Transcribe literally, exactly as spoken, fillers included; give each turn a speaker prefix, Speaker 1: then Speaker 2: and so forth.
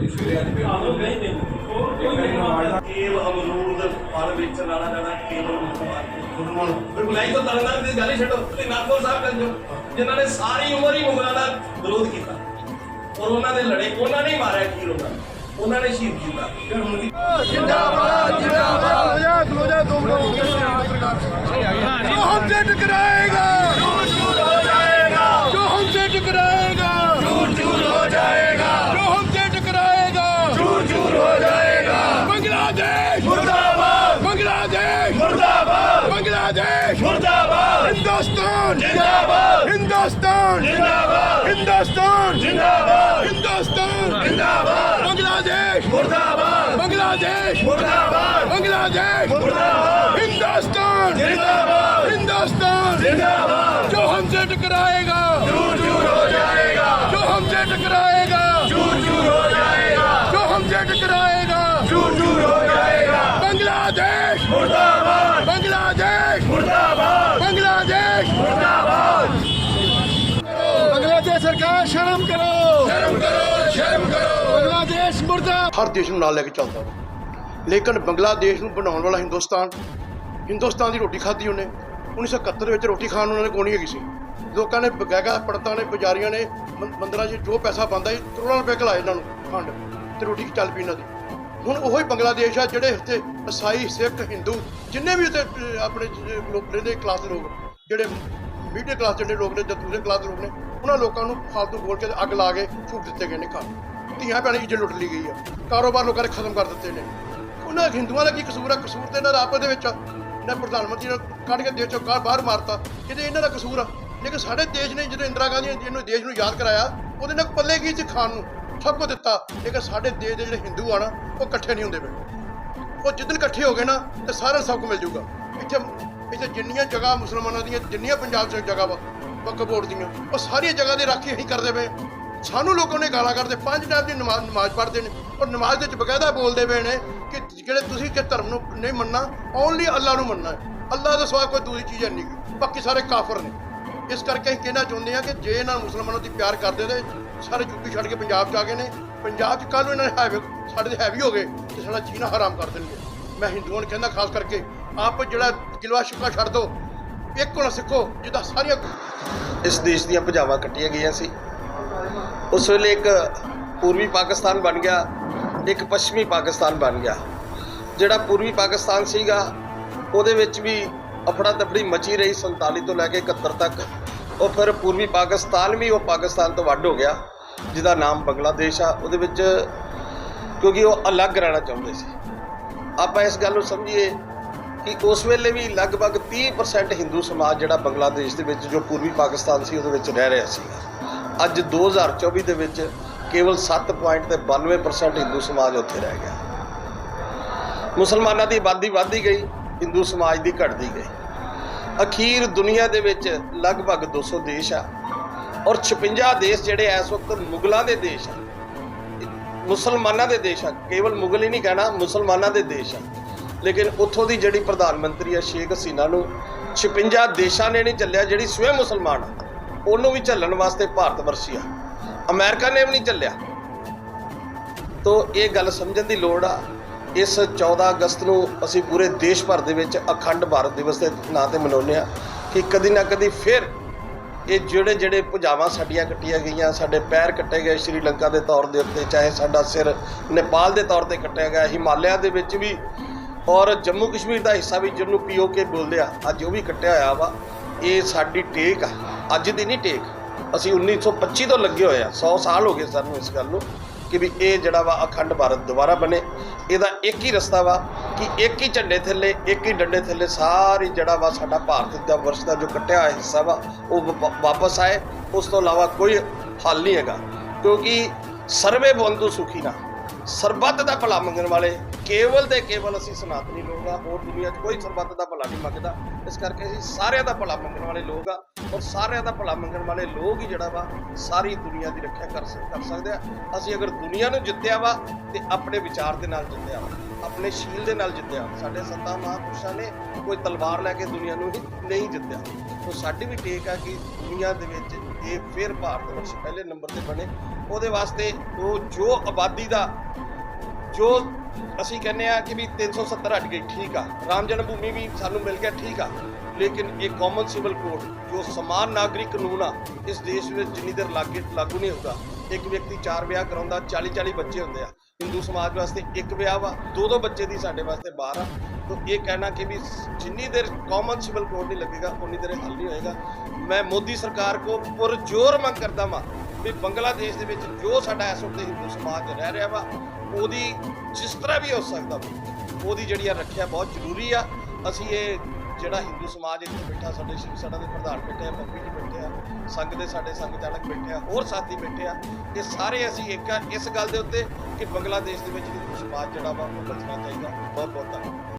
Speaker 1: केवल अमरूद फल बेचने वाला जरा केवल मुसलमान बुलाई तो तरनतारन की गल ही छड्डो ते नागपुर साहब कर जो जिन्होंने सारी उम्र ही मुगलों का विरोध किया और उन्होंने लड़े उन्होंने ही मारा खीर उन्होंने शहीद किया
Speaker 2: जिंदाबाद जिंदाबाद जो हमसे टकराएगा जो हमसे टकराएगा चूर हो जाएगा जो हमसे टकराएगा चूर हो जाएगा बांग्लादेश मुर्दाबाद बांग्लादेश मुर्दाबाद बांग्लादेश मुर्दाबाद हिंदुस्तान जिंदाबाद हिंदुस्तान जिंदाबाद हिंदुस्तान जिंदाबाद हिंदुस्तान जिंदाबाद बांग्लादेश मुर्दाबाद बांग्लादेश मुर्दाबाद बांग्लादेश मुर्दाबाद हिंदुस्तान जिंदाबाद हिंदुस्तान जिंदाबाद जो हमसे टकराएगा चूर चूर हो जाएगा जो हमसे टकराएगा चूर चूर हो जाएगा जो हमसे टकराएगा चूर चूर हो जाएगा बांग्लादेश मुर्दाबाद बांग्लादेश मुर्दाबाद बांग्लादेश मुर्दाबाद बांग्लादेश सरकार शर्म करो शर्म करो शर्म करो बांग्लादेश मुर्दाबाद
Speaker 3: हर देश ਨੂੰ ਨਾਲ ਲੈ ਕੇ ਚੱਲਦਾ ਵਾ ਲੇਕਿਨ ਬੰਗਲਾਦੇਸ਼ ਨੂੰ ਬਣਾਉਣ ਵਾਲਾ ਹਿੰਦੁਸਤਾਨ ਹਿੰਦੁਸਤਾਨ ਦੀ ਰੋਟੀ ਖਾਧੀ ਉਹਨੇ ਉੱਨੀ ਸੌ ਇਕਹੱਤਰ ਵਿੱਚ ਰੋਟੀ ਖਾਣ ਨੂੰ ਉਹਨਾਂ ਨੇ ਕੋਣੀ ਹੈਗੀ ਸੀ ਲੋਕਾਂ ਨੇ ਬਗੈਗਾ ਪੜਤਾਂ ਨੇ ਪੁਜਾਰੀਆਂ ਨੇ ਮੰਦਰਾਂ 'ਚ ਜੋ ਪੈਸਾ ਬਣਦਾ ਸੀ ਕਰੋੜਾਂ ਰੁਪਏ ਖਿਲਾਏ ਇਹਨਾਂ ਨੂੰ ਖੰਡ ਤੇ ਰੋਟੀ ਚੱਲ ਪਈ ਇਹਨਾਂ ਦੀ ਹੁਣ ਉਹੋ ਹੀ ਬੰਗਲਾਦੇਸ਼ ਆ ਜਿਹੜੇ ਇੱਥੇ ਈਸਾਈ ਸਿੱਖ ਹਿੰਦੂ ਜਿੰਨੇ ਵੀ ਉੱਥੇ ਆਪਣੇ ਲੋਕ ਰਹਿੰਦੇ ਕਲਾਸ ਲੋਕ ਜਿਹੜੇ ਮੀਡੀਅਮ ਕਲਾਸ ਜਿਹੜੇ ਲੋਕ ਨੇ ਜਾਂ ਦੂਸਰੇ ਕਲਾਸ ਲੋਕ ਨੇ ਉਹਨਾਂ ਲੋਕਾਂ ਨੂੰ ਫਾਲਤੂ ਬੋਲ ਕੇ ਅੱਗ ਲਾ ਕੇ ਛੂਟ ਦਿੱਤੇ ਗਏ ਨੇ ਘਰ ਧੀਆਂ ਭੈਣਾਂ ਦੀ ਇੱਜ਼ਤ ਲੁੱਟ ਲਈ ਗਈ ਆ ਕਾਰੋਬਾਰ ਲੋਕਾਂ ਨੇ ਖਤਮ ਕਰ ਦਿੱਤੇ ਨੇ ਉਹਨਾਂ ਹਿੰਦੂਆਂ ਦਾ ਕੀ ਕਸੂਰ ਆ ਕਸੂਰ ਤੇ ਇਹਨਾਂ ਦਾ ਆਪਸ ਦੇ ਵਿੱਚ ਇਹਨਾਂ ਪ੍ਰਧਾਨ ਮੰਤਰੀ ਨੂੰ ਕੱਢ ਕੇ ਦੇਸ਼ ਚੋਂ ਬਾਹਰ ਮਾਰਤਾ ਕਿਤੇ ਇਹਨਾਂ ਦਾ ਕਸੂਰ ਆ ਲੇਕਿਨ ਸਾਡੇ ਦੇਸ਼ ਨੇ ਜਦੋਂ ਇੰਦਰਾ ਗਾਂਧੀ ਨੇ ਜਿਹਨੂੰ ਦੇਸ਼ ਨੂੰ ਯਾਦ ਕਰਾਇਆ ਉਹਦੇ ਨਾਲ ਪੱਲੇ ਕੀ ਸੀ ਖਾਣ ਨੂੰ ਸਭ ਕੁਝ ਦਿੱਤਾ ਲੇਕਿਨ ਸਾਡੇ ਦੇਸ਼ ਦੇ ਜਿਹੜੇ ਹਿੰਦੂ ਆ ਨਾ ਉਹ ਇਕੱਠੇ ਨਹੀਂ ਹੁੰਦੇ ਪਏ ਉਹ ਜਿੱਦਣ ਇਕੱਠੇ ਹੋ ਗਏ ਨਾ ਤੇ ਸਾਰਿਆਂ ਸਭ ਕੁ ਮਿਲ ਜੂਗਾ ਇੱਥੇ ਇੱਥੇ ਜਿੰਨੀਆਂ ਜਗ੍ਹਾ ਮੁਸਲਮਾਨਾਂ ਦੀਆਂ ਜਿੰਨੀਆਂ ਪੰਜਾਬ 'ਚ ਜਗ੍ਹਾ ਵਾ ਵਕਫ ਬੋਰਡ ਦੀਆਂ ਉਹ ਸਾਰੀਆਂ ਜਗ੍ਹਾ ਦੀ ਰਾਖੀ ਅਸੀਂ ਕਰਦੇ ਪਏ ਸਾਨੂੰ ਲੋਕਾਂ ਨੇ ਗਾਲਾਂ ਕੱਢਦੇ ਪੰਜ ਟਾਈਮ ਦੀ ਨਮਾਜ਼ ਨਮਾਜ਼ ਪੜ੍ਹਦੇ ਨੇ ਔਰ ਨਮਾਜ਼ ਦੇ ਵਿੱਚ ਬਕਾਇਦਾ ਬੋਲਦੇ ਪਏ ਨੇ ਕਿ ਜਿਹੜੇ ਤੁਸੀਂ ਕਿ ਧਰਮ ਨੂੰ ਨਹੀਂ ਮੰਨਣਾ ਓਨਲੀ ਅੱਲਾ ਨੂੰ ਮੰਨਣਾ ਹੈ ਅੱਲਾ ਦੇ ਸਿਵਾ ਕੋਈ ਦੂਜੀ ਚੀਜ਼ ਨਹੀਂ ਬਾਕੀ ਸਾਰੇ ਕਾਫਰ ਨੇ ਇਸ ਕਰਕੇ ਅਸੀਂ ਕਹਿਣਾ ਚਾਹੁੰਦੇ ਹਾਂ ਕਿ ਜੇ ਇਹਨਾਂ ਮੁਸਲਮਾਨਾਂ ਦੀ ਪਿਆਰ ਕਰਦੇ ਤੇ ਸਾਰੇ ਯੂਪੀ ਛੱਡ ਕੇ ਪੰਜਾਬ 'ਚ ਆ ਗਏ ਨੇ ਪੰਜਾਬ 'ਚ ਕੱਲ੍ਹ ਨੂੰ ਇਹਨਾਂ ਨੇ ਹੈਵੀ ਸਾਡੇ ਦੇ ਹੈਵੀ ਹੋ ਗਏ ਤੇ ਸਾਡਾ ਜੀਣਾ ਹਰਾਮ ਕਰ ਦੇਣਗੇ ਮੈਂ ਹਿੰਦੂਆਂ ਨੂੰ ਕਹਿੰਦਾ ਖਾਸ ਕਰਕੇ ਆਪ ਜਿਹੜਾ ਗਿਲਵਾ ਸ਼ਿਕਵਾ ਛੱਡ ਦਿਓ ਇੱਕ ਹੋਣਾ ਸਿੱਖੋ ਜਿੱਦਾਂ ਸਾਰੀਆਂ
Speaker 4: ਇਸ ਦੇਸ਼ ਦੀਆਂ ਭੁਜਾਵਾਂ ਕੱਟੀਆਂ ਗਈਆਂ ਸੀ ਉਸ ਵੇਲੇ ਇੱਕ ਪੂਰਬੀ ਪਾਕਿਸਤਾਨ ਬਣ ਗਿਆ ਇੱਕ ਪੱਛਮੀ ਪਾਕਿਸਤਾਨ ਬਣ ਗਿਆ ਜਿਹੜਾ ਪੂਰਬੀ ਪਾਕਿਸਤਾਨ ਸੀਗਾ ਉਹਦੇ ਵਿੱਚ ਵੀ ਅਫੜਾ ਤਫੜੀ ਮਚੀ ਰਹੀ ਸੰਤਾਲੀ ਤੋਂ ਲੈ ਕੇ ਇਕਹੱਤਰ ਤੱਕ ਉਹ ਫਿਰ ਪੂਰਬੀ ਪਾਕਿਸਤਾਨ ਵੀ ਉਹ ਪਾਕਿਸਤਾਨ ਤੋਂ ਵੱਡ ਹੋ ਗਿਆ ਜਿਹਦਾ ਨਾਮ ਬੰਗਲਾਦੇਸ਼ ਆ ਉਹਦੇ ਵਿੱਚ ਕਿਉਂਕਿ ਉਹ ਅਲੱਗ ਰਹਿਣਾ ਚਾਹੁੰਦੇ ਸੀ ਆਪਾਂ ਇਸ ਗੱਲ ਨੂੰ ਸਮਝੀਏ ਕਿ ਉਸ ਵੇਲੇ ਵੀ ਲਗਭਗ ਤੀਹ ਪਰਸੈਂਟ ਹਿੰਦੂ ਸਮਾਜ ਜਿਹੜਾ ਬੰਗਲਾਦੇਸ਼ ਦੇ ਵਿੱਚ ਜੋ ਪੂਰਬੀ ਪਾਕਿਸਤਾਨ ਸੀ ਉਹਦੇ ਵਿੱਚ ਰਹਿ ਰਿਹਾ ਸੀਗਾ ਅੱਜ ਦੋ ਹਜ਼ਾਰ ਚੌਵੀ ਦੇ ਵਿੱਚ ਕੇਵਲ ਸੱਤ ਪੁਆਇੰਟ ਤੇ ਬਾਨਵੇਂ ਪਰਸੈਂਟ ਹਿੰਦੂ ਸਮਾਜ ਉੱਥੇ ਰਹਿ ਗਿਆ ਮੁਸਲਮਾਨਾਂ ਦੀ ਆਬਾਦੀ ਵੱਧਦੀ ਗਈ ਹਿੰਦੂ ਸਮਾਜ ਦੀ ਘਟਦੀ ਗਈ ਅਖੀਰ ਦੁਨੀਆ ਦੇ ਵਿੱਚ ਲਗਭਗ ਦੋ ਸੌ ਦੇਸ਼ ਆ ਔਰ ਛਪੰਜਾ ਦੇਸ਼ ਜਿਹੜੇ ਇਸ ਵਕਤ ਮੁਗਲਾਂ ਦੇ ਦੇਸ਼ ਆ ਮੁਸਲਮਾਨਾਂ ਦੇ ਦੇਸ਼ ਆ ਕੇਵਲ ਮੁਗਲ ਹੀ ਨਹੀਂ ਕਹਿਣਾ ਮੁਸਲਮਾਨਾਂ ਦੇ ਦੇਸ਼ ਆ ਲੇਕਿਨ ਉੱਥੋਂ ਦੀ ਜਿਹੜੀ ਪ੍ਰਧਾਨ ਮੰਤਰੀ ਆ ਸ਼ੇਖ ਹਸੀਨਾ ਨੂੰ ਛਪੰਜਾ ਦੇਸ਼ਾਂ ਨੇ ਨਹੀਂ ਚੱਲਿਆ ਜਿਹੜੀ ਸਵੈ ਮੁਸਲਮਾਨ ਆ ਉਹਨੂੰ ਵੀ ਝੱਲਣ ਵਾਸਤੇ ਭਾਰਤ ਵਰਸ਼ੀ ਆ ਅਮਰੀਕਾ ਨੇ ਵੀ ਨਹੀਂ ਚੱਲਿਆ ਤੋ ਇਹ ਗੱਲ ਸਮਝਣ ਦੀ ਲੋੜ ਆ ਇਸ ਚੌਦਾਂ ਅਗਸਤ ਨੂੰ ਅਸੀਂ ਪੂਰੇ ਦੇਸ਼ ਭਰ ਦੇ ਵਿੱਚ ਅਖੰਡ ਭਾਰਤ ਦਿਵਸ ਦੇ ਨਾਂ 'ਤੇ ਮਨਾਉਂਦੇ ਹਾਂ ਕਿ ਕਦੀ ਨਾ ਕਦੀ ਫਿਰ ਇਹ ਜਿਹੜੇ ਜਿਹੜੇ ਭੁਜਾਵਾਂ ਸਾਡੀਆਂ ਕੱਟੀਆਂ ਗਈਆਂ ਸਾਡੇ ਪੈਰ ਕੱਟੇ ਗਏ ਸ਼੍ਰੀਲੰਕਾ ਦੇ ਤੌਰ ਦੇ ਉੱਤੇ ਚਾਹੇ ਸਾਡਾ ਸਿਰ ਨੇਪਾਲ ਦੇ ਤੌਰ 'ਤੇ ਕੱਟਿਆ ਗਿਆ ਹਿਮਾਲਿਆ ਦੇ ਵਿੱਚ ਵੀ ਔਰ ਜੰਮੂ ਕਸ਼ਮੀਰ ਦਾ ਹਿੱਸਾ ਵੀ ਜਿਹਨੂੰ ਪੀ ਓ ਕੇ ਬੋਲਦੇ ਆ ਅੱਜ ਉਹ ਵੀ ਕੱਟਿਆ ਹੋਇਆ ਵਾ ਇਹ ਸਾਡੀ ਟੇਕ ਆ ਅੱਜ ਦੀ ਨਹੀਂ ਟੇਕ ਅਸੀਂ ਉੱਨੀ ਸੌ ਪੱਚੀ ਤੋਂ ਲੱਗੇ ਹੋਏ ਆ ਸੌ ਸਾਲ ਹੋ ਗਏ ਸਾਨੂੰ ਇਸ ਗੱਲ ਨੂੰ ਕਿ ਵੀ ਇਹ ਜਿਹੜਾ ਵਾ ਅਖੰਡ ਭਾਰਤ ਦੁਬਾਰਾ ਬਣੇ ਇਹਦਾ ਇੱਕ ਹੀ ਰਸਤਾ ਵਾ ਕਿ ਇੱਕ ਹੀ ਝੰਡੇ ਥੱਲੇ ਇੱਕ ਹੀ ਡੰਡੇ ਥੱਲੇ ਸਾਰੀ ਜਿਹੜਾ ਵਾ ਸਾਡਾ ਭਾਰਤ ਦਾ ਵਰਸ਼ ਦਾ ਜੋ ਕੱਟਿਆ ਹੋਇਆ ਹਿੱਸਾ ਵਾ ਉਹ ਵਾਪਸ ਆਏ ਉਸ ਤੋਂ ਇਲਾਵਾ ਕੋਈ ਹੱਲ ਨਹੀਂ ਹੈਗਾ ਕਿਉਂਕਿ ਸਰਵੇ ਬੰਧੂ ਸੁਖੀ ਨਾ ਸਰਬੱਤ ਦਾ ਭਲਾ ਮੰਗਣ ਵਾਲੇ ਕੇਵਲ ਤੇ ਕੇਵਲ ਅਸੀਂ ਸਨਾਤਨੀ ਲੋਕ ਆ ਹੋਰ ਦੁਨੀਆ 'ਚ ਕੋਈ ਸਰਬੱਤ ਦਾ ਭਲਾ ਨਹੀਂ ਮੰਗਦਾ ਇਸ ਕਰਕੇ ਅਸੀਂ ਸਾਰਿਆਂ ਦਾ ਭਲਾ ਮੰਗਣ ਵਾਲੇ ਲੋਕ ਆ ਔਰ ਸਾਰਿਆਂ ਦਾ ਭਲਾ ਮੰਗਣ ਵਾਲੇ ਲੋਕ ਹੀ ਜਿਹੜਾ ਵਾ ਸਾਰੀ ਦੁਨੀਆ ਦੀ ਰੱਖਿਆ ਕਰ ਕਰ ਸਕਦੇ ਆ ਅਸੀਂ ਅਗਰ ਦੁਨੀਆ ਨੂੰ ਜਿੱਤਿਆ ਵਾ ਤੇ ਆਪਣੇ ਵਿਚਾਰ ਦੇ ਨਾਲ ਜਿੱਤਿਆ ਵਾ ਆਪਣੇ ਸ਼ੀਲ ਦੇ ਨਾਲ ਜਿੱਤਿਆ ਸਾਡੇ ਸੰਤਾਂ ਮਹਾਂਪੁਰਸ਼ਾਂ ਨੇ ਕੋਈ ਤਲਵਾਰ ਲੈ ਕੇ ਦੁਨੀਆ ਨੂੰ ਹੀ ਨਹੀਂ ਜਿੱਤਿਆ ਸੋ ਸਾਡੀ ਵੀ ਟੇਕ ਆ ਕਿ ਦੁਨੀਆ ਦੇ ਵਿੱਚ ਇਹ ਫਿਰ ਭਾਰਤ ਵਰਸ਼ ਪਹਿਲੇ ਨੰਬਰ ਤੇ ਬਣੇ ਉਹਦੇ ਵਾਸਤੇ ਉਹ ਜੋ ਆਬਾਦੀ ਦਾ ਜੋ ਅਸੀਂ ਕਹਿੰਦੇ ਆ ਕਿ ਵੀ ਤਿੰਨ ਸੌ ਸੱਤਰ ਹਟ ਗਈ, ਠੀਕ ਆ, ਰਾਮ ਜਨਮ ਭੂਮੀ ਵੀ ਸਾਨੂੰ ਮਿਲ ਗਿਆ, ਠੀਕ ਆ, ਲੇਕਿਨ ਇਹ ਕਾਮਨ ਸਿਵਲ ਕੋਡ ਜੋ ਸਮਾਨ ਨਾਗਰਿਕ ਕਾਨੂੰਨ ਆ ਇਸ ਦੇਸ਼ ਵਿੱਚ ਜਿੰਨੀ ਦੇਰ ਲਾਗੇ ਲਾਗੂ ਨਹੀਂ ਹੁੰਦਾ, ਇੱਕ ਵਿਅਕਤੀ ਚਾਰ ਵਿਆਹ ਕਰਾਉਂਦਾ, ਚਾਲੀ ਚਾਲੀ ਬੱਚੇ ਹੁੰਦੇ ਆ, ਹਿੰਦੂ ਸਮਾਜ ਵਾਸਤੇ ਇੱਕ ਵਿਆਹ ਵਾ, ਦੋ ਦੋ ਬੱਚੇ ਦੀ ਸਾਡੇ ਵਾਸਤੇ ਬਾਹਰ ਆ। ਤਾਂ ਇਹ ਕਹਿਣਾ ਕਿ ਵੀ ਜਿੰਨੀ ਦੇਰ ਕਾਮਨ ਸਿਵਲ ਕੋਡ ਨਹੀਂ ਲੱਗੇਗਾ ਉਨੀ ਦੇਰ ਹੱਲ ਨਹੀਂ ਹੋਏਗਾ। ਮੈਂ ਮੋਦੀ ਸਰਕਾਰ ਕੋ ਪੁਰਜ਼ੋਰ ਮੰਗ ਕਰਦਾ ਵਾਂ ਵੀ ਬੰਗਲਾਦੇਸ਼ ਦੇ ਵਿੱਚ ਜੋ ਸਾਡਾ ਇਸ ਵਕਤ ਹਿੰਦੂ ਸਮਾਜ ਰਹਿ ਰਿਹਾ ਵਾ ਉਹਦੀ ਜਿਸ ਤਰ੍ਹਾਂ ਵੀ ਹੋ ਸਕਦਾ ਵਾ ਉਹਦੀ ਜਿਹੜੀ ਆ ਰੱਖਿਆ ਬਹੁਤ ਜ਼ਰੂਰੀ ਆ। ਅਸੀਂ ਇਹ ਜਿਹੜਾ ਹਿੰਦੂ ਸਮਾਜ ਇੱਥੇ ਬੈਠਾ, ਸਾਡੇ ਸ਼ਿਵ ਸੈਨਾ ਦੇ ਪ੍ਰਧਾਨ ਬੈਠੇ ਆ, ਪੱਪੀ ਜੀ ਬੈਠੇ ਆ, ਸੰਘ ਦੇ ਸਾਡੇ ਸੰਘ ਚਾਲਕ ਬੈਠੇ ਆ, ਹੋਰ ਸਾਥੀ ਬੈਠੇ ਆ, ਇਹ ਸਾਰੇ ਅਸੀਂ ਇੱਕ ਆ ਇਸ ਗੱਲ ਦੇ ਉੱਤੇ ਕਿ ਬੰਗਲਾਦੇਸ਼ ਦੇ ਵਿੱਚ ਹਿੰਦੂ ਸਮਾਜ ਜਿਹੜਾ ਵਾ ਉਹ ਬਚਣਾ ਚਾਹੀਦਾ। ਬਹੁਤ ਬਹੁਤ ਧੰਨਵਾਦ।